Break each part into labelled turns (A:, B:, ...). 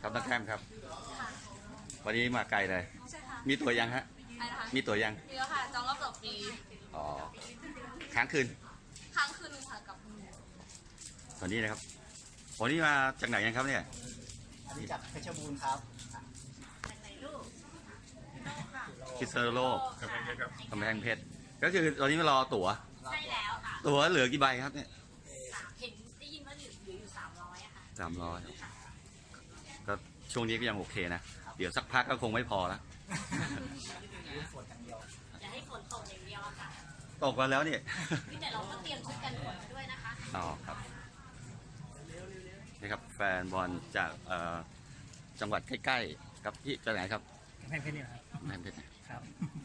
A: ครับน้องแคมครับ
B: ค่ะ
A: วันนี้มาไกลเลย
B: ใช่ค่ะ
A: มีตัวยังฮะ
B: อะไรนะคะ
A: มีตัวยัง
B: มีแล้วค่ะ จองรอบต่อปี
A: อ๋อ ค้างคืน
B: ค้างคืนนึงค่ะกับ
A: ตอนนี้นะครับวันนี้มาจากไหนกันครับเนี่ย
C: อันนี้จากเพชรบูรณ์ครับ
A: พิษณุโลก
D: กำแพงเพชรครับ
A: กำแพงเพชร ก็คือตอนนี้มารอตั๋ว
B: ใช่แล้วค่ะ
A: ตั๋วเหลือกี่ใบครับเนี่ย
B: เห็นได้ยินว่าเหลืออยู่300อะค่ะ
A: 300ก็ช่วงนี้ก็ยังโอเคนะ เดี๋ยวสักพักก็คงไม่พอแล้ว
C: ฝนอย่างเดียว
B: อย่าให้ฝนตกอย่างเดียวอะค่ะ
A: ตกมาแล้วเนี่ย
B: แต่เราก็เตรียมชุดกันฝนมาด้วยนะคะ
A: อ๋อครับนี่ครับแฟนบอลจากจังหวัดใกล้ๆครับพี่จากไหนครับ
C: กำแพงเพชรนี่ครับ
A: กำแพงเพชร
C: ครับ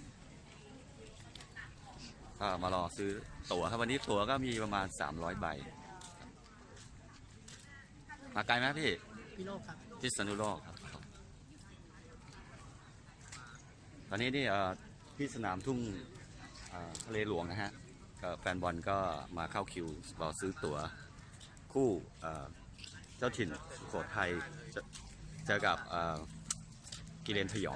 A: ก็มารอซื้อตั๋วครับวันนี้ตั๋วก็มีประมาณ300 ใบ มาไกลไหมพี่
C: พี่โลกครับ
A: พิษณุโลกครับ ตอนนี้นี่ที่สนามทุ่งทะเลหลวงนะฮะก็แฟนบอลก็มาเข้าคิวรอซื้อตั๋วคู่เจ้าถิ่นสุโขทัยเจอกับกิเลนพยอง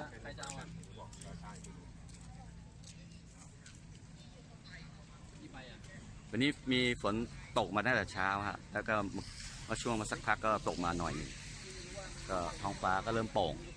A: วันนี้มีฝนตกมาตั้งแต่เช้าฮะแล้วก็มาช่วงมาสักพักก็ตกมาหน่อยหนึ่งก็ท้องฟ้าก็เริ่มโปร่ง